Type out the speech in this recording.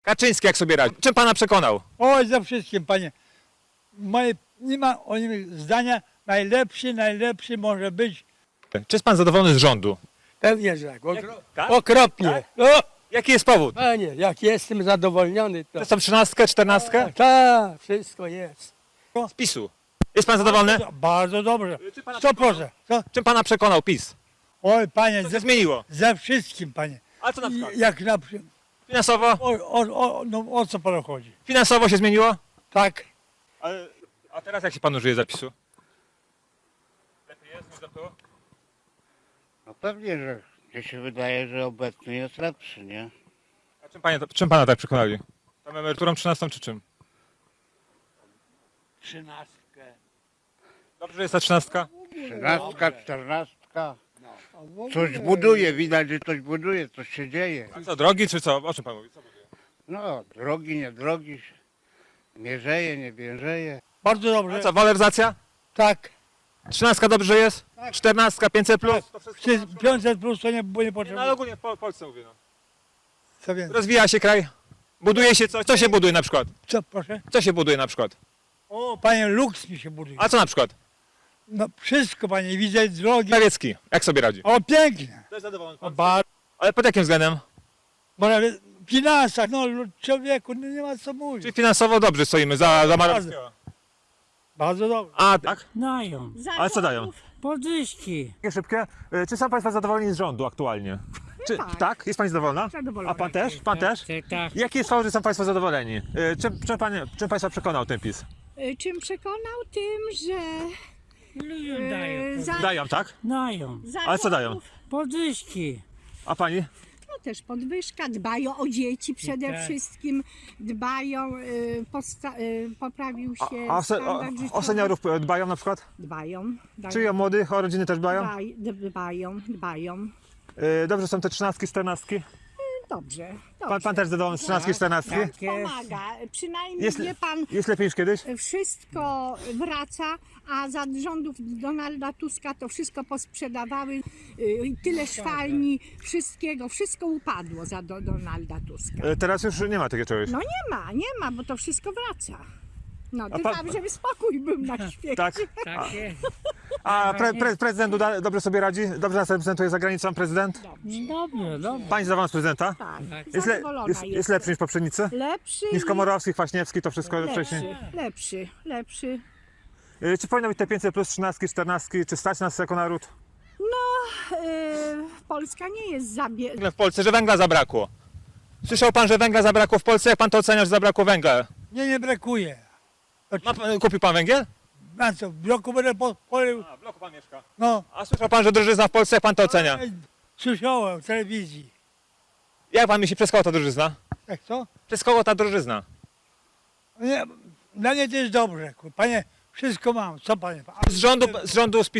Kaczyński jak sobie radzi? Czym pana przekonał? Oj, za wszystkim, panie. Nie ma o nim zdania. Najlepszy może być. Czy jest pan zadowolony z rządu? Pewnie, że tak. Tak? Okropnie. O, Jaki jest powód? panie, jak jestem zadowolniony, to... Są 13, 14? Tak, wszystko jest. Z PiS-u. Jest pan zadowolony? Bardzo dobrze. Czy pana 100%. Co? Czym pana przekonał PiS? Oj, panie, Co się zmieniło? ze wszystkim, panie. A co na przykład? Jak na przykład. Finansowo? No, o co panu chodzi? Finansowo się zmieniło? Tak. A teraz jak się panu żyje zapisu? Lepiej jest niż było? No pewnie, że mnie się wydaje, że obecny jest lepszy, nie? A czym pana tak przekonali? Tą emeryturą 13 czy czym? 13. Dobrze, że jest ta 13? 13, 14. Coś buduje, widać, że coś buduje, coś się dzieje. A co, drogi czy co? O czym pan mówi? Co buduje? No, drogi, nie drogi, mierzeje, nie bierzeje. Bardzo A dobrze. co, waloryzacja? Tak. 13 dobrze jest? 14, 500 plus? To wszystko 500 plus to nie Nie, no potrzeba. ale ogólnie w Polsce mówię. No. Co więcej? Rozwija się kraj? Buduje się coś? Co się buduje na przykład? Co, proszę? Co się buduje na przykład? O, panie, luks mi się buduje. A co na przykład? No wszystko, panie, widzę drogi. Krawiecki, jak sobie radzi? O, pięknie. Też zadowolony. O, bardzo. Ale pod jakim względem? Bo nawet w finansach, no człowieku, no, nie ma co mówić. Czyli finansowo dobrze stoimy za Morawieckiego. Bardzo dobrze. A tak? Dają. Ale co dają? Podwyżki. Szybkie. Czy są państwo zadowoleni z rządu aktualnie? Czy, tak. Jest pani zadowolona? Zadowolona. A pan też? Pan też? Tak. Jaki jest fakt, że są państwo zadowoleni? Czym państwa przekonał ten PiS? Czym przekonał? Tym, że Ludziom dają. Dają, tak? Dają. Ale co dają? Podwyżki. A pani? No też podwyżka, dbają o dzieci przede Tak. wszystkim, dbają, poprawił się A standard życiowy. o seniorów dbają na przykład? Dbają. Czy o młodych, o rodziny też dbają? Dbają. Dobrze są te 13, 14? Dobrze. Pan też zadowolony z 13, 14? Tak jest. Pomaga. Przynajmniej Jest, wie pan, jest lepiej niż kiedyś? wszystko wraca, a za rządów Donalda Tuska to wszystko posprzedawały, tyle szwalni, wszystko upadło za Donalda Tuska. Teraz już nie ma takiego czegoś. No nie ma, bo to wszystko wraca. No, to pan- tam, żeby spokój był na świecie. Tak? Tak jest. A prezydent Duda dobrze sobie radzi? Dobrze nas reprezentuje za granicą prezydent? Dobrze, dobrze. Pani zadowolona z prezydenta? Tak, Jest, jest lepszy niż poprzednicy? Lepszy Niż i Komorowski, Kwaśniewski, to wszystko wcześniej? lepszy. Czy powinno być te 500 plus 13, 14? Czy stać nas jako naród? Polska nie jest W Polsce, że węgla zabrakło. Słyszał pan, że węgla zabrakło w Polsce? Jak pan to ocenia, że zabrakło węgla? Nie brakuje. Kupił pan węgiel? Na co, w bloku będę poleł. A, w bloku pan mieszka. No. A słyszał pan, że drożyzna w Polsce? Jak pan to ocenia? Słyszałem w telewizji. Jak pan myśli, przez kogo ta drożyzna? Jak co? Przez kogo ta drożyzna? Nie, dla mnie to jest dobrze. Panie, wszystko mam. Co panie? Z rządu z